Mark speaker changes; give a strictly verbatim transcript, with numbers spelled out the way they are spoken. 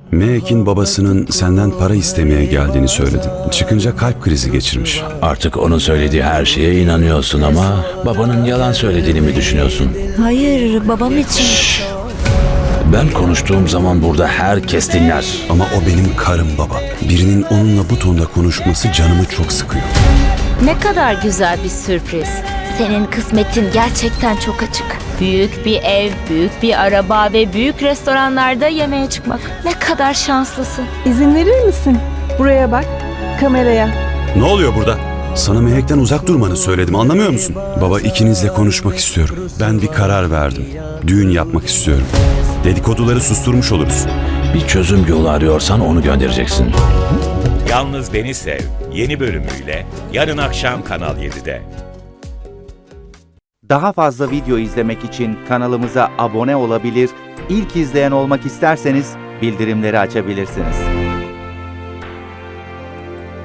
Speaker 1: Mehek'in babasının senden para istemeye geldiğini söyledin. Çıkınca kalp krizi geçirmiş.
Speaker 2: Artık onun söylediği her şeye inanıyorsun ama babanın yalan söylediğini mi düşünüyorsun?
Speaker 3: Hayır, babam için.
Speaker 2: Ben konuştuğum zaman burada herkes dinler.
Speaker 1: Ama o benim karım baba. Birinin onunla bu tonda konuşması canımı çok sıkıyor.
Speaker 3: Ne kadar güzel bir sürpriz. Senin kısmetin gerçekten çok açık. Büyük bir ev, büyük bir araba ve büyük restoranlarda yemeğe çıkmak. Ne kadar şanslısın.
Speaker 4: İzin verir misin? Buraya bak, kameraya.
Speaker 1: Ne oluyor burada? Sana Mehek'ten uzak durmanı söyledim, anlamıyor musun? Baba, ikinizle konuşmak istiyorum. Ben bir karar verdim. Düğün yapmak istiyorum. Dedikoduları susturmuş oluruz.
Speaker 2: Bir çözüm yolu arıyorsan onu göndereceksin.
Speaker 5: Yalnız Beni Sev yeni bölümüyle yarın akşam Kanal yedide.
Speaker 6: Daha fazla video izlemek için kanalımıza abone olabilir, ilk izleyen olmak isterseniz bildirimleri açabilirsiniz.